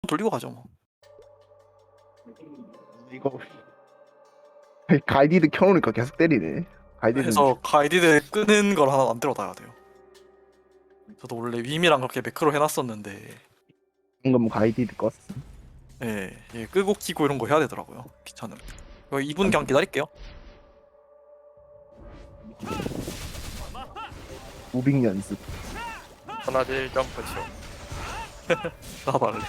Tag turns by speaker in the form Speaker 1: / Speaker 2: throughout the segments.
Speaker 1: 돌리고 가죠 뭐.
Speaker 2: 이거 가이디드 켜놓으니까 계속 때리네. 가이디드
Speaker 1: 해서 가이디드 끄는 걸 하나 만들어놔야 돼요. 저도 원래 윈이랑 그렇게 매크로 해놨었는데
Speaker 2: 방금 가이디드 껐어.
Speaker 1: 예, 예, 끄고 키고 이런 거 해야 되더라고요. 귀찮음. 이거 2분 그냥 기다릴게요.
Speaker 2: 무빙 연습.
Speaker 3: 하나질 점프죠.
Speaker 1: 나도 할래.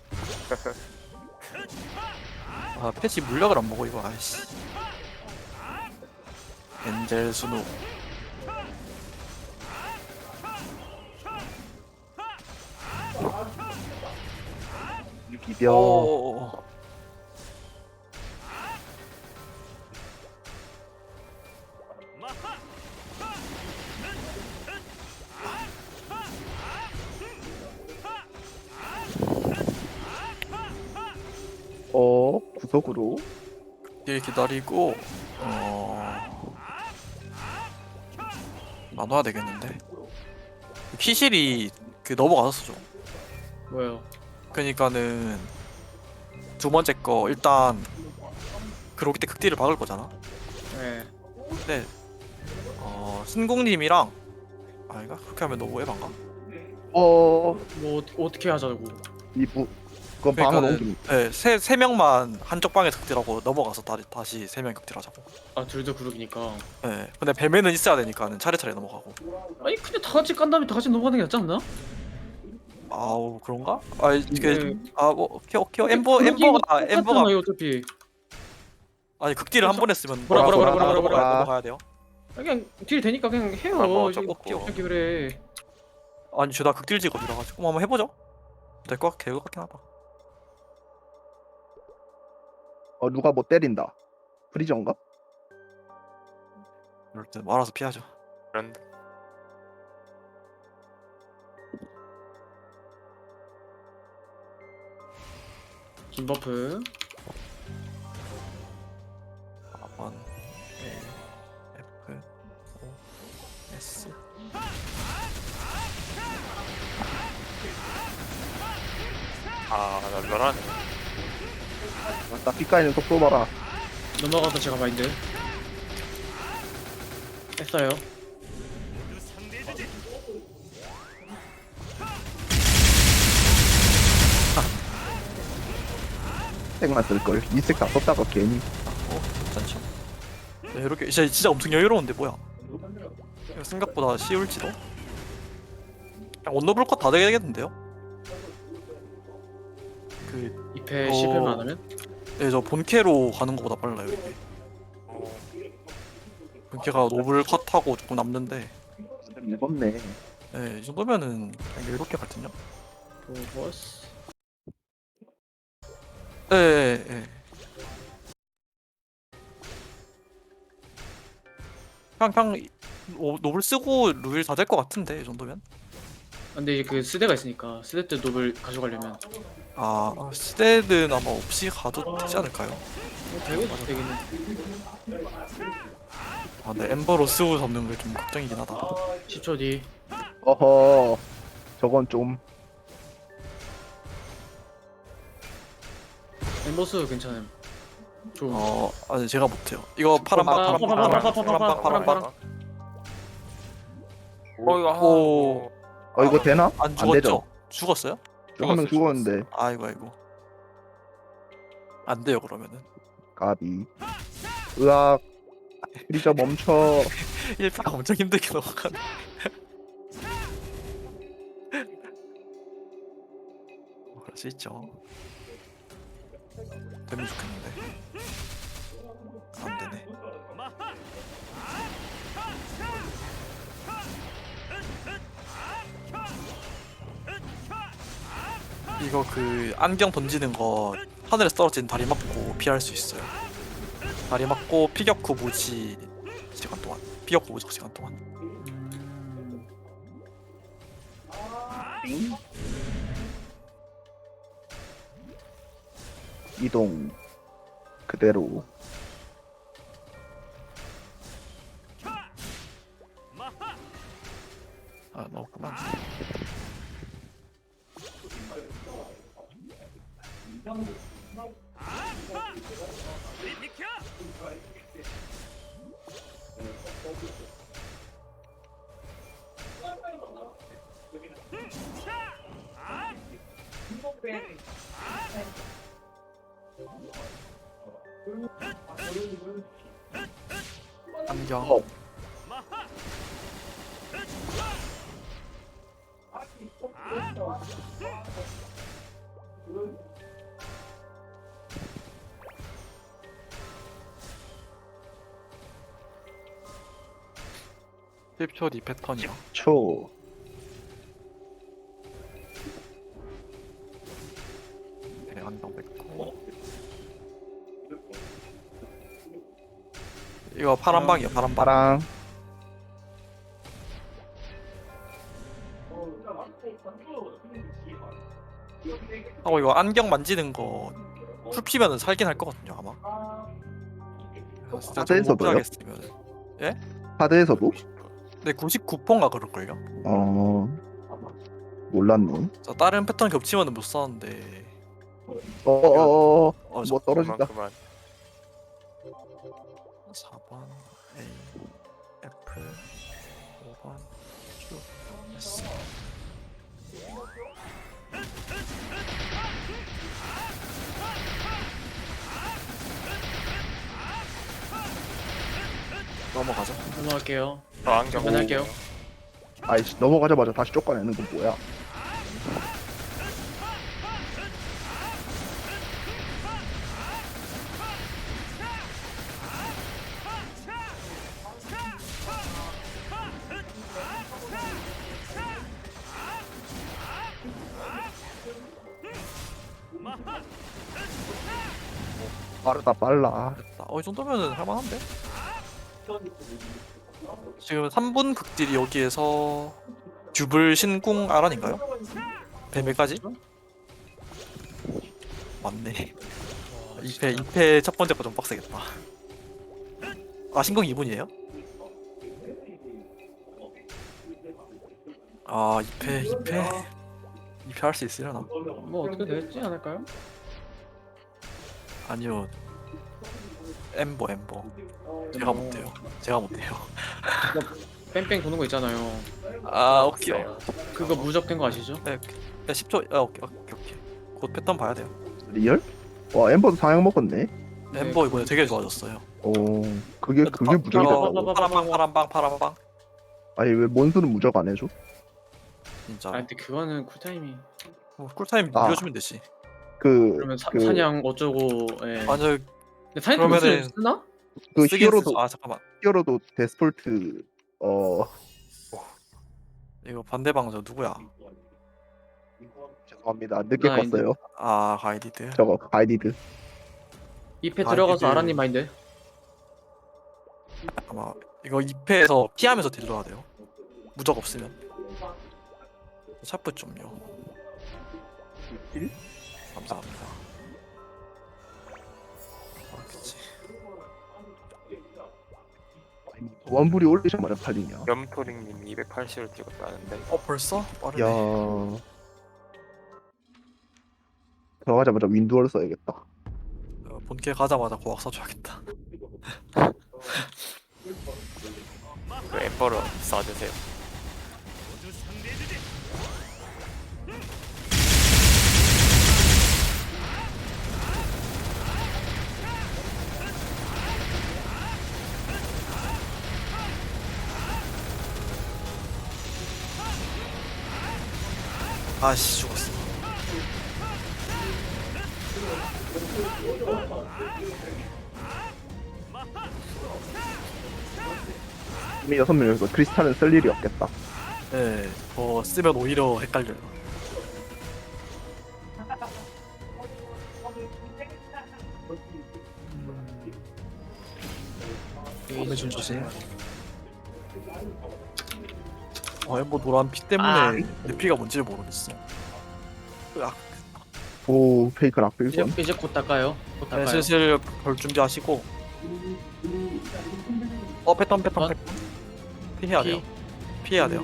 Speaker 1: 아 패치 물약을 안 먹어 이거. 아이씨. 엔젤 스누.
Speaker 2: 비벼.
Speaker 1: 오.
Speaker 2: 구석으로.
Speaker 1: 일 기다리고 나눠야 되겠는데. 키실이 그 넘어가서 좀.
Speaker 4: 뭐요?
Speaker 1: 그러니까는 두 번째 거 일단 그로기 때 극딜을 박을 거잖아.
Speaker 4: 네.
Speaker 1: 근데 신공님이랑 아이가 그렇게 하면 너무 에반가?
Speaker 2: 어,
Speaker 4: 뭐 어떻게 하자고?
Speaker 2: 이부. 그건 방을 옮김.
Speaker 1: 네, 세 명만 한쪽 방에 극딜하고 넘어가서 다시 세 명 극딜하자고.
Speaker 4: 아 둘도 그룹이니까.
Speaker 1: 네, 근데 뱀에는 있어야 되니까는 차례차례 넘어가고.
Speaker 4: 아니 근데 다 같이 깐 다음에 다 같이 넘어가는 게 낫지 않나?
Speaker 1: 아우 그런가? 아 이게
Speaker 4: 네.
Speaker 1: 아뭐 오케이 엠버가
Speaker 4: 똑같잖아요, 어차피.
Speaker 1: 아니 극딜을 한 번 했으면
Speaker 4: 뭐라.
Speaker 1: 넘어가야 돼요.
Speaker 4: 그냥 딜 되니까 그냥 해요.
Speaker 3: 아, 뭐
Speaker 4: 이거
Speaker 3: 어쩌고.
Speaker 4: 어떻게 그래?
Speaker 1: 아니 죄다 극딜 직업이라 가지고 한번 해보죠. 될 것 같긴 하다.
Speaker 2: 누가 뭐 때린다. 프리저인가?
Speaker 1: 이럴 때 알아서 피하죠.
Speaker 3: 그런
Speaker 4: 긴 버프.
Speaker 1: 4번 A F O S
Speaker 3: 널널하네.
Speaker 2: 나 삐까이는 속도 봐라.
Speaker 4: 넘어가서 제가 마인드. 했어요.
Speaker 2: 색만 쓸걸. 이 색 다 썼다가 괜히.
Speaker 1: 괜찮죠. 네, 이렇게 진짜 엄청 여유로운데 뭐야? 이거 생각보다 쉬울지도. 그냥 원더블 컷다 되겠는데요? 그
Speaker 4: 2패 10패만 안 하면?
Speaker 1: 네, 저 본캐로 가는 것보다 빨라요 이게. 본캐가 노블 컷하고 조금 남는데,
Speaker 2: 무겁네.
Speaker 1: 네, 이 정도면은 그냥 여유롭게 갈 텐요.
Speaker 4: 보버스.
Speaker 1: 네, 네. 그냥 노블 쓰고 루일 다 될 것 같은데 이 정도면.
Speaker 4: 근데 이제 그 스대가 있으니까 스대 때 노블 가져가려면
Speaker 1: 스테드는 아마 없이 가도 되지 않을까요?
Speaker 4: 되겠네.
Speaker 1: 근데 엠버로 스우 잡는 게 좀 걱정이긴 하다.
Speaker 4: 10초 뒤.
Speaker 2: 어허. 저건 좀.
Speaker 4: 엠버스 괜찮음. 좋은.
Speaker 1: 아니 제가 못해요. 이거 파란빵. 오,
Speaker 2: 이거 되나?
Speaker 1: 안
Speaker 2: 되죠.
Speaker 1: 죽었죠? 죽었어요?
Speaker 2: 한 명 죽었는데.
Speaker 1: 아이고. 안 돼요 그러면은.
Speaker 2: 가비. 으악. 프리저 멈춰.
Speaker 1: 1패가 엄청 힘들게 넘어가네. 그럴 수 있죠. 되면 좋겠는데. 안 되네. 이거 그 안경 던지는 거 하늘에서 떨어진 다리 맞고 피할 수 있어요. 다리 맞고 피격 후 무지 시간 동안. 피격 후 무지 시간 동안.
Speaker 2: 이동. 그대로.
Speaker 1: 넣었구나. 안경.
Speaker 2: 어.
Speaker 1: 십 10초 뒤 패턴이요.
Speaker 2: 초.
Speaker 1: 네, 안경 뱉고. 이거 파란 방이요. 파란 방.
Speaker 2: 파랑.
Speaker 1: 하고 이거 안경 만지는 거 풀피면은 살긴 할 거거든요 아마. 진짜 좀
Speaker 2: 하드에서도요?
Speaker 1: 못하겠으면.
Speaker 2: 하드에서도?
Speaker 1: 네 99%인가 그럴걸요.
Speaker 2: 어. 몰랐네.
Speaker 1: 저 다른 패턴 겹치면은 못 썼는데.
Speaker 2: 어어어.
Speaker 1: 어,
Speaker 2: 뭐 떨어진다.
Speaker 3: 그만.
Speaker 1: 4번 A F 5번 Q S. 넘어가죠.
Speaker 4: 넘어갈게요.
Speaker 3: 저 안경.
Speaker 4: 할게요.
Speaker 2: 아이씨 넘어가자마자 다시 쫓아내는 건 뭐야? 빠르다 빨라.
Speaker 1: 됐다. 이 정도면은 할만한데? 지금 3분 극딜이 여기에서 듀블 신궁 아란인가요? 뱀에까지? 맞네. 2패 첫 번째 거 좀 빡세겠다. 아 신궁 2분이에요? 아 2패 할 수 있으려나?
Speaker 4: 뭐 어떻게 되지 않을까요?
Speaker 1: 아니요. 엠버 제가 못해요.
Speaker 4: 뺑뺑 도는 거 있잖아요.
Speaker 1: 아 오케이.
Speaker 4: 그거 무적된 거 아시죠?
Speaker 1: 네, 10초. 오케이. 곧 패턴 봐야 돼요.
Speaker 2: 리얼? 와 엠버도 상향 먹었네.
Speaker 1: 엠버 이번에 되게 좋아졌어요.
Speaker 2: 어 그게 무적이
Speaker 1: 이거
Speaker 2: 됐다고?
Speaker 1: 파란 방.
Speaker 2: 아니 왜 몬스는 무적 안 해줘?
Speaker 1: 진짜.
Speaker 4: 아 근데 그거는 쿨타임이.
Speaker 1: 쿨타임
Speaker 2: 아.
Speaker 1: 밀어주면 되지.
Speaker 4: 그러면
Speaker 2: 그
Speaker 4: 사냥 어쩌고. 예.
Speaker 1: 아니
Speaker 4: 근데 사냥
Speaker 1: 그러면은-
Speaker 4: 무슨 쓰나?
Speaker 2: 그
Speaker 1: 쓰긴
Speaker 2: 히어로도
Speaker 1: 쓰죠. 아 잠깐만.
Speaker 2: 히어로도 데스폴트
Speaker 1: 이거 반대 방저 누구야?
Speaker 2: 죄송합니다 늦게
Speaker 4: 나 이제-
Speaker 2: 껐어요.
Speaker 1: 아 가이디드.
Speaker 2: 저거 가이디드.
Speaker 4: 2패
Speaker 1: 아,
Speaker 4: 들어가서
Speaker 1: 이게-
Speaker 4: 아라님 마인드.
Speaker 1: 아마 이거 2패에서 피하면서 딜러야 돼요. 무적 없으면. 샤프 좀요. 감사합니다. 아 그치.
Speaker 2: 원불이 올리자마자 팔리냐?
Speaker 3: 염토링님 280을 찍었다는데.
Speaker 1: 벌써? 빠르네.
Speaker 2: 야 들어가자마자 윈두어를 써야겠다.
Speaker 1: 본캐 가자마자 고악 써줘야겠다.
Speaker 3: 그 엠버로 쏴주세요.
Speaker 1: 아씨 죽었어.
Speaker 2: 이미 6명이서 크리스탈은 쓸 일이 없겠다.
Speaker 1: 네, 더 쓰면 오히려 헷갈려요. 몸에 좀 주세요. 엠버 노란 피 때문에 내 피가 뭔지를 모르겠어. 으악.
Speaker 2: 오 페이크
Speaker 4: 이제
Speaker 2: 락빌건.
Speaker 4: 이제 곧 닦아요. 곧
Speaker 1: 네,
Speaker 4: 닦아요.
Speaker 1: 슬슬 볼 준비하시고. 패턴. 피해야 돼요. 피해야 돼요.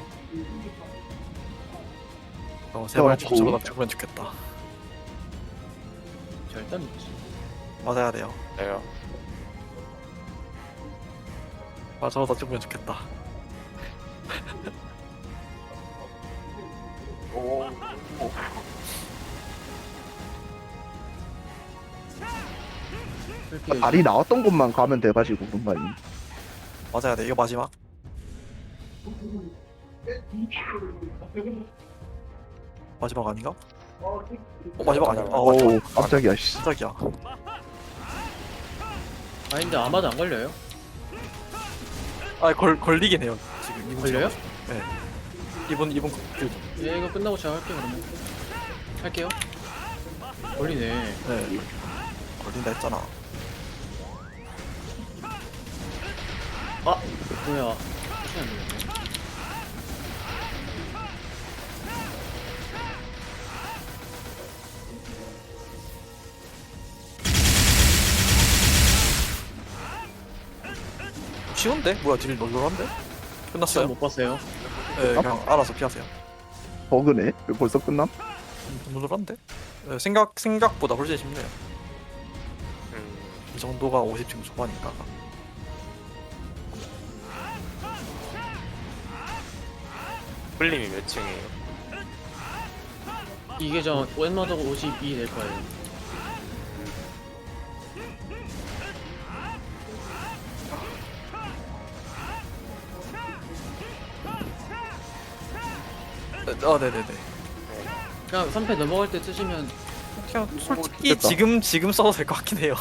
Speaker 1: 세번
Speaker 2: 맞고.
Speaker 1: 죽으면 죽겠다.
Speaker 4: 일단 믿지.
Speaker 1: 맞아야 돼요.
Speaker 3: 네요.
Speaker 1: 아 저거 더 찍으면 좋겠다.
Speaker 4: 풀피해.
Speaker 2: 말이 나왔던 곳만 가면 돼가지고 그런 거 아니.
Speaker 1: 맞아야 돼. 이거 마지막. 마지막 아닌가? 마지막 아니야.
Speaker 2: 오
Speaker 1: 마지막.
Speaker 2: 깜짝이야 씨.
Speaker 1: 깜짝이야.
Speaker 4: 마인드 아마도 안 걸려요?
Speaker 1: 아 걸리긴 해요. 지금 이분
Speaker 4: 걸려요?
Speaker 1: 네. 이분 그
Speaker 4: 예, 이거 끝나고 제가 할게요 그러면. 할게요. 걸리네.
Speaker 1: 네. 걸린다 했잖아.
Speaker 4: 아 뭐야? 혹시 안 되겠네.
Speaker 1: 쉬운데? 뭐야 딜 널널한데?
Speaker 4: 시간
Speaker 1: 끝났어요?
Speaker 4: 못 봤어요.
Speaker 1: 네, 그냥 알아서 피하세요.
Speaker 2: 버그네. 벌써 끝남?
Speaker 1: 널널한데? 네, 생각보다 훨씬 쉽네요. 이 정도가 50층 초반이니까.
Speaker 3: 풀림이 몇 층이에요?
Speaker 4: 이게 저 웬마더가 52 될 거예요.
Speaker 1: 네네네.
Speaker 4: 그냥 3패 넘어갈 때 쓰시면
Speaker 1: 그냥 솔직히
Speaker 2: 됐다.
Speaker 1: 지금 써도 될 것 같긴 해요.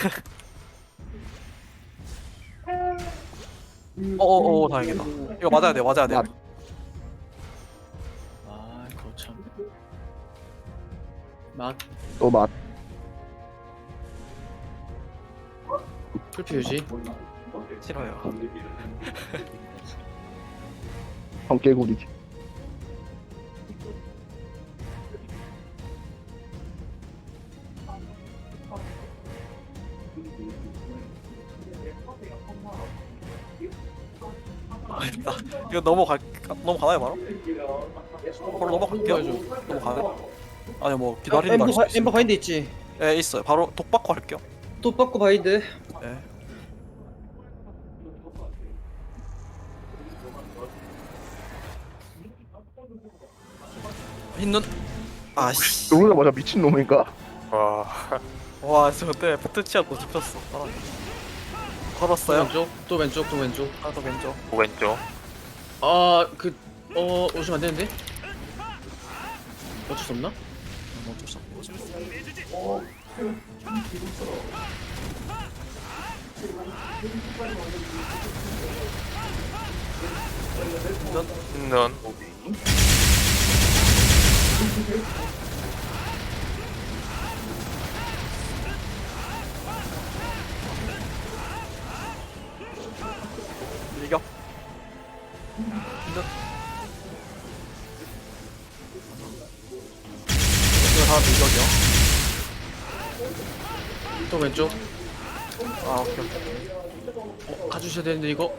Speaker 1: 어어어 다행이다. 이거 맞아야 돼 맞아야 돼.
Speaker 2: 맞-
Speaker 4: 아 그거 참. 맛
Speaker 2: 또 맛.
Speaker 4: 풀피 유지.
Speaker 1: 싫어요.
Speaker 2: 성개구리지.
Speaker 1: 아니다. 이거 넘어가나요 바로? 바로 넘어갈게요.
Speaker 4: 넘어가야죠.
Speaker 1: 넘어가요? 아니 뭐 기다리는 거
Speaker 4: 엠버,
Speaker 1: 할수
Speaker 4: 엠버
Speaker 1: 있습니다.
Speaker 4: 바인드 있지.
Speaker 1: 네 있어요. 바로 독 받고 할게요.
Speaker 4: 또 받고 바인드.
Speaker 1: 네. 흰눈. 아씨.
Speaker 2: 누르자마자 미친놈인가?
Speaker 3: 와.
Speaker 1: 와 저거 때문에 포트치아 또 짚혔어.
Speaker 4: 또
Speaker 1: 걸었어요?
Speaker 4: 왼쪽, 또 왼쪽, 또 왼쪽.
Speaker 1: 하나 더 왼쪽.
Speaker 3: 왼쪽.
Speaker 4: 오시면 안 되는데? 어쩔 수 없나?
Speaker 1: 어쩔 수 없네. 어쩔 수 없네.
Speaker 3: 넌
Speaker 1: 밀격. 흰눈. 이거 다 밀격이요.
Speaker 4: 또 왼쪽.
Speaker 1: 아 오케이 오케이.
Speaker 4: 가주셔야 되는데 이거.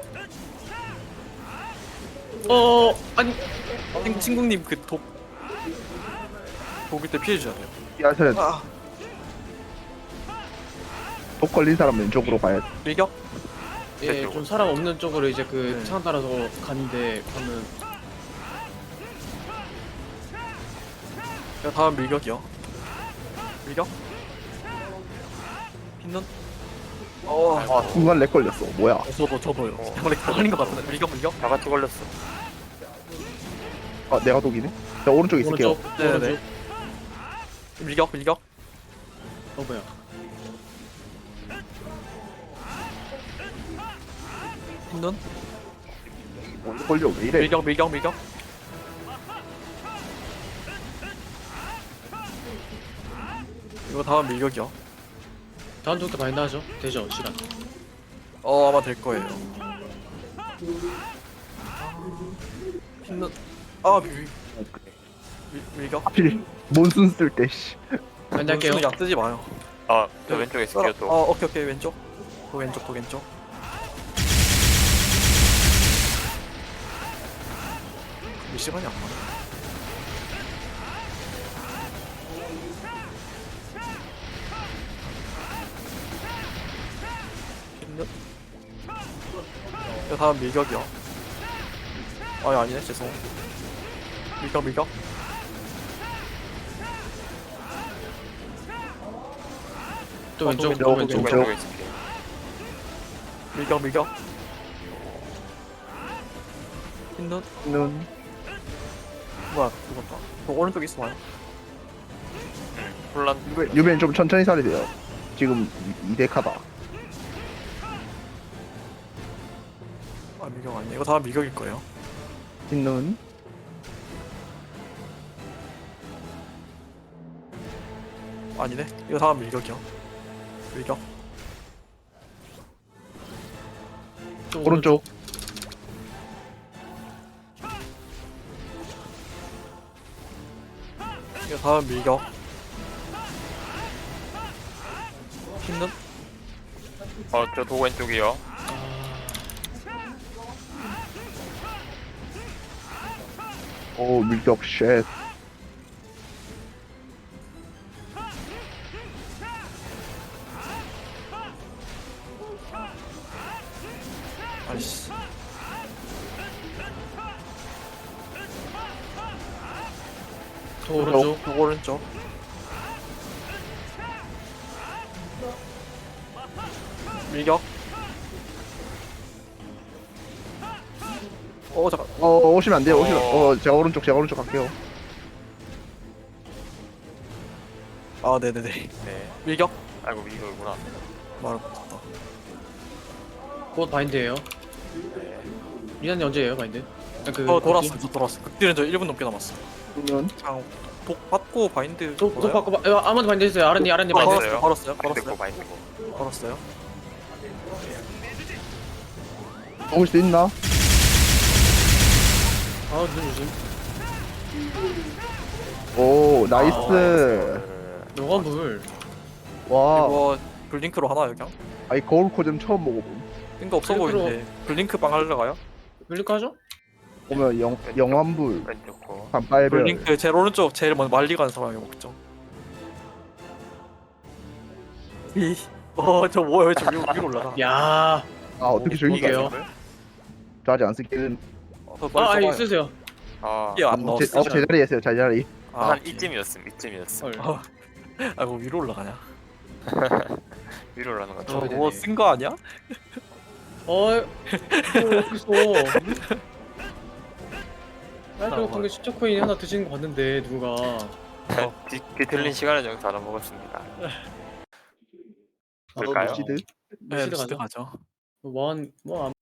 Speaker 4: 아니.
Speaker 1: 친구님 그 독일 때 피해 주셔야 돼요.
Speaker 2: 야서는
Speaker 1: 아
Speaker 2: 독 걸린 사람 왼쪽으로 가야 돼.
Speaker 1: 밀격.
Speaker 4: 예, 좀 사람 없는 쪽으로 이제 그
Speaker 1: 네.
Speaker 4: 창 따라서 가는데 가면
Speaker 1: 이거 다음 밀격이요. 밀격. 흰눈.
Speaker 2: 순간 렉 걸렸어. 뭐야?
Speaker 1: 저도요. 원래 걸린 것 같은데. 밀격.
Speaker 3: 다 같이 걸렸어.
Speaker 2: 아 내가 독이네. 자 오른쪽에 있을게요.
Speaker 4: 오른쪽.
Speaker 1: 네네. 밀격.
Speaker 4: 뭐야?
Speaker 1: 흰눈.
Speaker 2: 먼저 걸려 왜 이래?
Speaker 1: 밀격. 이거 다음 밀격이요.
Speaker 4: 다음 주부터 바인드 하죠. 되죠, 시간.
Speaker 1: 아마 될 거예요. 흰눈. 밀격.
Speaker 2: 하필 몬순 쓸 때 씨.
Speaker 4: 바인드 할게요.
Speaker 1: 약 쓰지 마요.
Speaker 3: 아, 저 왼쪽에 있을게요 또.
Speaker 1: 오케이 왼쪽. 또 왼쪽. 이 시간이 안 맞아. 이거 다음 밀격이요. 아니네 죄송. 밀격.
Speaker 4: 또 왼쪽,
Speaker 1: 왼쪽,
Speaker 4: 또 왼쪽.
Speaker 2: 왼쪽.
Speaker 3: 왼쪽에 있을게.
Speaker 1: 밀격. 흰눈
Speaker 2: 눈.
Speaker 1: 뭐야 죽었다. 저 오른쪽에 있어 봐요.
Speaker 3: 혼란.
Speaker 2: 유벤 좀 천천히 살이 돼요. 지금 2대 카다.
Speaker 1: 아 밀격 아니네. 이거 다음 밀격일 거예요.
Speaker 2: 흰눈.
Speaker 1: 아니네. 이거 다음 밀격이요. 밀격.
Speaker 4: 또
Speaker 2: 오른쪽.
Speaker 1: 이거 다음 밀격. 흰눈
Speaker 3: 저 도 왼쪽이요.
Speaker 2: 오 밀격 쉣.
Speaker 1: 아이씨.
Speaker 4: 또 오른쪽.
Speaker 1: 또 오른쪽. 밀격. 잠깐.
Speaker 2: 오시면 안 돼요. 오시면. 제가 오른쪽 갈게요.
Speaker 1: 아 네네네.
Speaker 3: 네.
Speaker 1: 밀격.
Speaker 3: 아이고 이거구나.
Speaker 1: 말을 못했다.
Speaker 4: 곧 바인드예요. 리나님 언제예요 바인드?
Speaker 1: 돌았어. 저 돌았어. 극딜은 저 1분 넘게 남았어.
Speaker 2: 눈.
Speaker 1: 그냥 독 받고 바인드.
Speaker 4: 또 바꿔 봐. 아무도 바인드 했어요. 아란님 바인드.
Speaker 1: 걸었어요.
Speaker 3: 바인드고 바인드고.
Speaker 1: 걸었어요.
Speaker 2: 먹을 수 있나?
Speaker 4: 눈 조심.
Speaker 2: 오 나이스.
Speaker 4: 노관불.
Speaker 2: 와.
Speaker 1: 이거 블링크로 하나 그냥.
Speaker 2: 아이 거울 코좀 처음 먹어봄.
Speaker 1: 뜬거 없어 보이는데 블링크 빵 하려 가요?
Speaker 4: 블링크 하죠?
Speaker 2: 보면 영환불
Speaker 3: 왼쪽 거.
Speaker 2: 반빨별.
Speaker 1: 블링크 제일 오른쪽 제일 먼저 말리 가는 사람이 먹죠. 저 뭐야 저 위로 올라가.
Speaker 4: 야.
Speaker 2: 아 어떻게 저기
Speaker 4: 이게요?
Speaker 2: 저 아직 안 쓰기는.
Speaker 4: 아니 쓰세요.
Speaker 1: 이게 안 넣었어.
Speaker 2: 제자리에 있어요. 제자리.
Speaker 3: 한 이쯤이었음.
Speaker 1: 뭐 위로 올라가냐?
Speaker 3: 위로 올라가는 거.
Speaker 4: 어,
Speaker 1: 뭐 쓴 거 아니야?
Speaker 4: 어딨어. 딸기 같은 게 10초 하나 드시는 거 봤는데 누가.
Speaker 3: 뒤틀린 시간을 좀 다 먹었습니다. 그럴까요?
Speaker 2: 시드.
Speaker 1: 네,
Speaker 4: 시드
Speaker 1: 시드
Speaker 4: 가자.
Speaker 1: 가죠.
Speaker 4: 뭐안